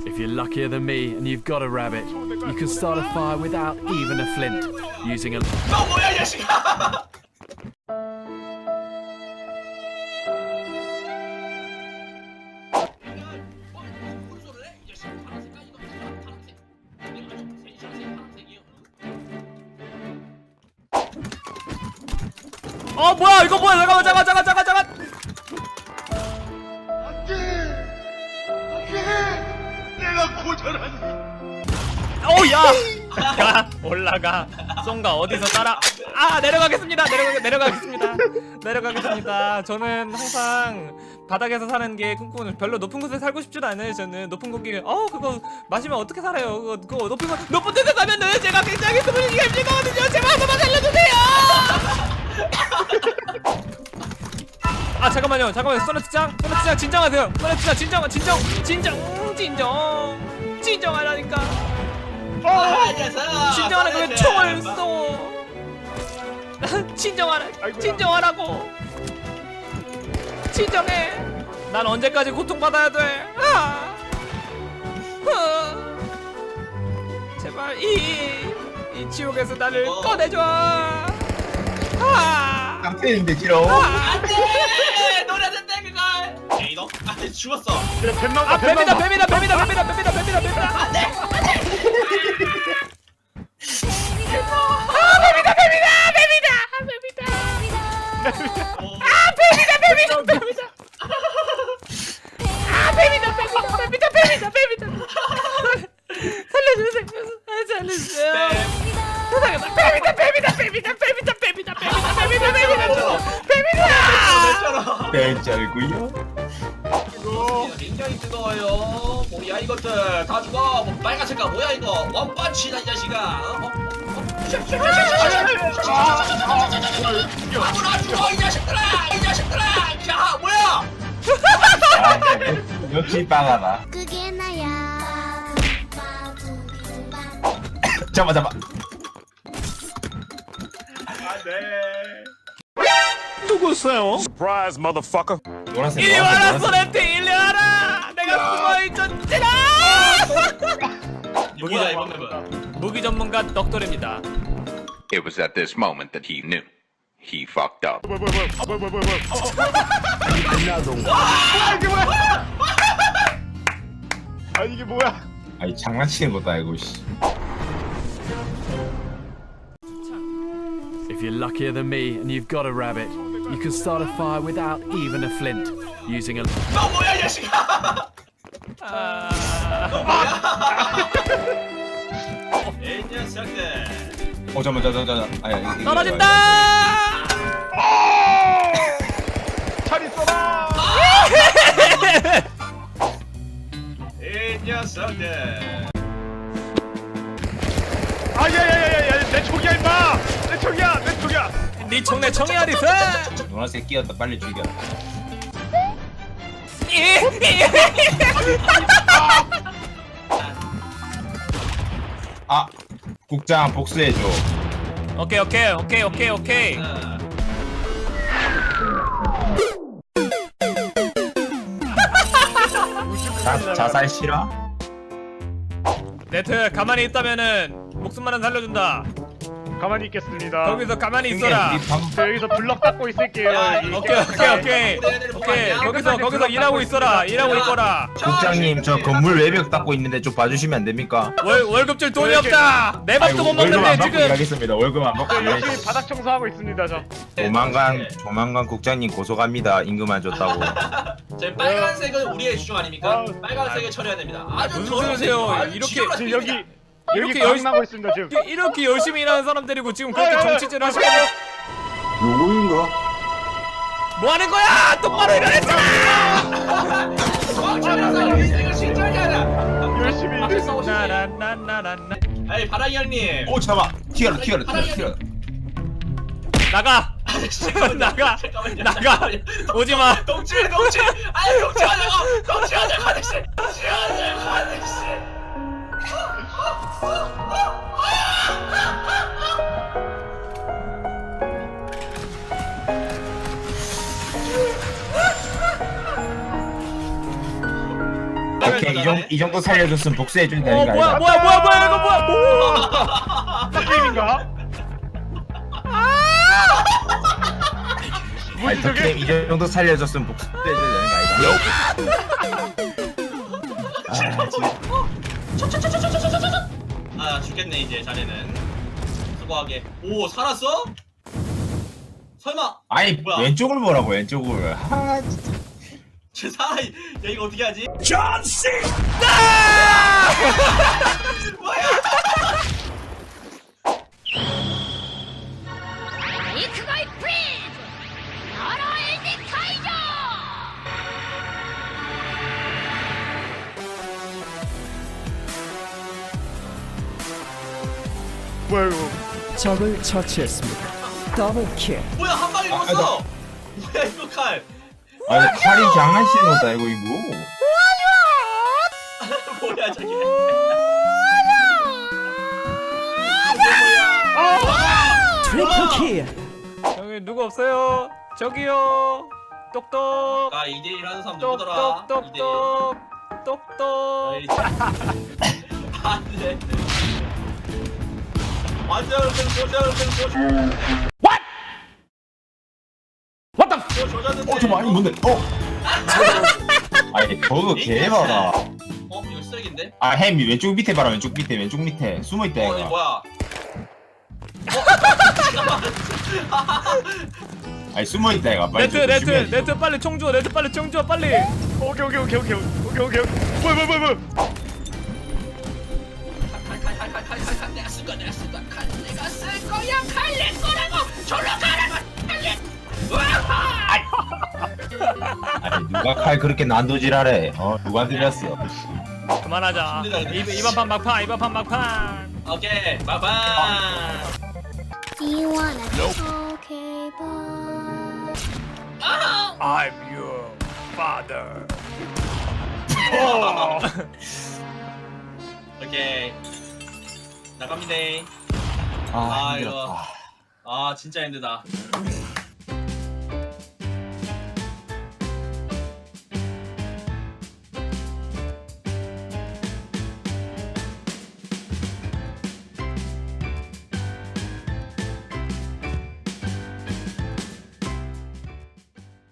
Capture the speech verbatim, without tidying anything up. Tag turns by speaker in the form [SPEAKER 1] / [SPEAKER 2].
[SPEAKER 1] If you're luckier than me and you've got a rabbit, you can start a fire without even a flint, using a...
[SPEAKER 2] 너 뭐야 이 자식아!
[SPEAKER 3] 어 뭐야 이거 뭐야 잠깐만 잠깐 잠깐 잠깐 잠깐
[SPEAKER 2] 내가 고절하니.
[SPEAKER 3] 오야 야 올라가 송가 어디서 따라 아 내려가겠습니다 내려가 내려가겠습니다 내려가겠습니다. 저는 항상 바닥에서 사는 게 꿈꾸는 별로 높은 곳에 살고 싶지도 않아요. 저는 높은 고기 어 그거 마시면 어떻게 살아요? 그거 그거 높은 곳 높은 데서 가면은 제가 굉장히 스물이가 힘들거든요. 제발 한 번만 살려주세요. 아 잠깐만요 잠깐만요 소나트짱 소나트짱 진정하세요. 소나트짱 진정 진정 진정 진정 진정하라니까. 진정하라고 왜 총을 쏘? 진정하라 진정하라고 진정해. 난 언제까지 고통받아야 돼? 아! 아! 제발 이, 이 지옥에서 나를
[SPEAKER 2] 어.
[SPEAKER 3] 꺼내줘. 아!
[SPEAKER 4] 깡패인데 지로.
[SPEAKER 2] 안돼! 노래는데 그걸! 에이 너? 아 죽었어.
[SPEAKER 5] 그래 뱀나가
[SPEAKER 3] 아 뱀이다 뱀이다 뱀이다 뱀이다 뱀이다 뱀이다 뱀이다.
[SPEAKER 2] 안돼!
[SPEAKER 3] 아 뱀이다 뱀이다 뱀이다 뱀이다. 아 뱀이다 뱀이다 뱀이다. 아 뱀이다 뱀이다 뱀이다 뱀이다 뱀이다. 살려주세요. 아, 살려주세요. 세상에 뱀이다 뱀이다 뱀이다 뱀이다 뱀이다 뱀이다 뱀이다 뱀이다 뱀이다.
[SPEAKER 4] 벨짤구요.
[SPEAKER 2] 굉장히 뜨거워요. 뭐야 이것들 다 죽어. 뭐 빨간색깔 뭐야 이거? 원펀치다 이 자식아. 어? 아무나 죽어 이 자식들아! 이 자식들아! 야 뭐야?
[SPEAKER 4] 아, 역시 빵하다.
[SPEAKER 6] 그게 나야.
[SPEAKER 4] 잡아 잡아.
[SPEAKER 5] 누구세요? Surprise, motherfucker.
[SPEAKER 4] 노란색.
[SPEAKER 3] 이리 와라
[SPEAKER 4] 노란색,
[SPEAKER 3] 소렌티 이리 와라. 내가 숨어있었지라.
[SPEAKER 2] 무기자 이번 맵은.
[SPEAKER 3] 무기 전문가 덕돌입니다.
[SPEAKER 7] It was at this moment that he knew. He fucked up.
[SPEAKER 5] 뭐야 뭐야 뭐야 뭐야 뭐야 아 이게 뭐야?
[SPEAKER 4] 아니 장난치는 것도 아니고 씨.
[SPEAKER 1] If you're luckier than me and you've got a rabbit, you can start a fire without even a flint, using a...
[SPEAKER 2] 너 뭐야 이 자식아!
[SPEAKER 3] 아...
[SPEAKER 2] 에이 녀석들.
[SPEAKER 4] 어 잠만 잠만 잠만. 아야 이게. 이게
[SPEAKER 3] 떨어진다.
[SPEAKER 5] 잘 있어라.
[SPEAKER 2] 에이 녀석들.
[SPEAKER 5] 아야야야야 내 총이야 임마. 내 총이야 내 총이야.
[SPEAKER 3] 네 총내 총이 어디서?
[SPEAKER 4] 노란색 끼었다 빨리 죽여. 아 국장 복수해줘.
[SPEAKER 3] 오케이 오케이 오케이 오케이 오케이.
[SPEAKER 4] 자, 자살 싫어?
[SPEAKER 3] 네트 가만히 있다면은 목숨만은 살려준다.
[SPEAKER 5] 가만히 있겠습니다.
[SPEAKER 3] 거기서 가만히 있어라.
[SPEAKER 5] 저 여기서 블럭 닦고 있을게요.
[SPEAKER 2] 야,
[SPEAKER 5] 이
[SPEAKER 3] 오케이 오케이 오케이 오케이 거기서 거기서 일하고 있어라. 일하고 있거라.
[SPEAKER 4] 국장님 저 건물 외벽 닦고 있는데 좀 봐주시면 안 됩니까?
[SPEAKER 3] 월 월급 줄 돈이 없다. 내 밥도 못
[SPEAKER 4] 월급 안
[SPEAKER 3] 먹는데
[SPEAKER 4] 받고
[SPEAKER 3] 지금.
[SPEAKER 4] 일하겠습니다. 월급 안 받고
[SPEAKER 5] 저
[SPEAKER 4] 일하겠습니다.
[SPEAKER 5] 열심히 바닥 청소하고 있습니다 저.
[SPEAKER 4] 조만간 조만간 국장님 고소갑니다. 임금 안 줬다고.
[SPEAKER 2] 제 빨간색은 우리의 주종 아닙니까?
[SPEAKER 5] 아,
[SPEAKER 2] 빨간색을 처리해야 됩니다. 아주
[SPEAKER 3] 무슨
[SPEAKER 2] 더러운
[SPEAKER 3] 소리세요?
[SPEAKER 2] 색이에요. 아주
[SPEAKER 3] 이렇게-
[SPEAKER 2] 지저분한
[SPEAKER 5] 지금 여기
[SPEAKER 2] 색입니다.
[SPEAKER 5] 여기
[SPEAKER 3] 이렇게
[SPEAKER 5] 방
[SPEAKER 3] 열심히-
[SPEAKER 5] 나고 있습니다 지금.
[SPEAKER 3] 이렇게 열심히 일하는 사람들이고 지금 그렇게 정치질 하시면
[SPEAKER 4] 누구인가?
[SPEAKER 3] 뭐 하는 거야? 똑바로 일어났잖아.
[SPEAKER 2] 멍청해서 인생을 신중하게 하라.
[SPEAKER 5] 열심히
[SPEAKER 2] 앞에 싸우시지.
[SPEAKER 3] 나나나나나
[SPEAKER 2] 아니 바랑이 형님.
[SPEAKER 4] 오 잠깐. 튀어라 튀어라 튀어라 튀어라.
[SPEAKER 3] 나가.
[SPEAKER 2] 잠깐만요.
[SPEAKER 3] 나가.
[SPEAKER 2] 잠깐만요.
[SPEAKER 3] 나가.
[SPEAKER 2] 잠깐만요.
[SPEAKER 3] 오지 마.
[SPEAKER 2] 동치 동치. 아니 동치하자고. 동치하자고 하듯이. 동치하자고 하듯이.
[SPEAKER 4] 오케이 이 정도 이 정도 살려줬으면 복수해줘야
[SPEAKER 3] 어
[SPEAKER 4] 되는 거
[SPEAKER 3] 뭐야
[SPEAKER 4] 아니야?
[SPEAKER 3] 뭐야 뭐야 뭐야 이거 뭐야 뭐
[SPEAKER 5] 딱 게임인가?
[SPEAKER 4] 아니 더 게임 이 정도 살려줬으면 복수해줘야 되는 거 아니야?
[SPEAKER 2] 아 죽겠네 이제 자네는. 수고하게. 오 살았어? 설마
[SPEAKER 4] 아니
[SPEAKER 2] 뭐야?
[SPEAKER 4] 왼쪽을 보라고 왼쪽을. 아 진짜.
[SPEAKER 2] 쟤 살아? 야 이거 어떻게 하지?
[SPEAKER 6] 이크가이 프리즈 나라 엘디 카이저
[SPEAKER 5] 뭐야 이거?
[SPEAKER 8] 적을 처치했습니다. 더블킬.
[SPEAKER 2] 뭐야 한 방에
[SPEAKER 4] 아,
[SPEAKER 2] 죽었어. 뭐야 이거 칼.
[SPEAKER 4] 아니 칼이 장난치는 거다 이거 이거.
[SPEAKER 2] 뭐야 저게.
[SPEAKER 8] 트리플킬.
[SPEAKER 3] 여기 누구 없어요? 저기요 똑똑
[SPEAKER 2] 아 이 대 일 하는 사람 누구더라? 이 대 일.
[SPEAKER 3] 똑똑똑똑 똑똑
[SPEAKER 2] 어이, 안돼. 완전 조절 조절. What? What the? 조졌는데.
[SPEAKER 4] 어저 많이 뭔데? 어. 아니 저거 개봐라.
[SPEAKER 2] 어 이거 쓰레기인데?
[SPEAKER 4] 아 햄이 왼쪽 밑에 봐라 왼쪽 밑에 왼쪽 밑에 숨어 있다
[SPEAKER 2] 어 이거
[SPEAKER 4] 얘가.
[SPEAKER 2] 뭐야?
[SPEAKER 4] 아니 숨어 있다 얘가. 빨리
[SPEAKER 3] 네트
[SPEAKER 4] 좀
[SPEAKER 3] 네트
[SPEAKER 4] 조심해야지.
[SPEAKER 3] 네트 빨리 총 주워 네트 빨리 총 주워 빨리
[SPEAKER 5] 오케이 오케이 오케이 오케이 오케이 오케이. 뭐야 뭐야 뭐야 뭐야?
[SPEAKER 2] 칼칼칼칼칼칼 내가 쓸 거야 내가 쓸 거야 칼 내가 쓸 거야 칼 내 거라고 절로 가라고 칼
[SPEAKER 4] 아니 누가 칼 그렇게 난도질하래? 어 누가 들렸어?
[SPEAKER 3] 그만하자
[SPEAKER 2] 힘들다, 근데.
[SPEAKER 3] 이- 이번 판 막판 이번 판 막판
[SPEAKER 2] 오케이 바바.
[SPEAKER 6] Do you wanna okay boy
[SPEAKER 3] I'm your father
[SPEAKER 2] 오케이 나갑니다.
[SPEAKER 4] 아
[SPEAKER 2] 아,
[SPEAKER 4] 힘들었다.
[SPEAKER 2] 아 진짜 힘들다.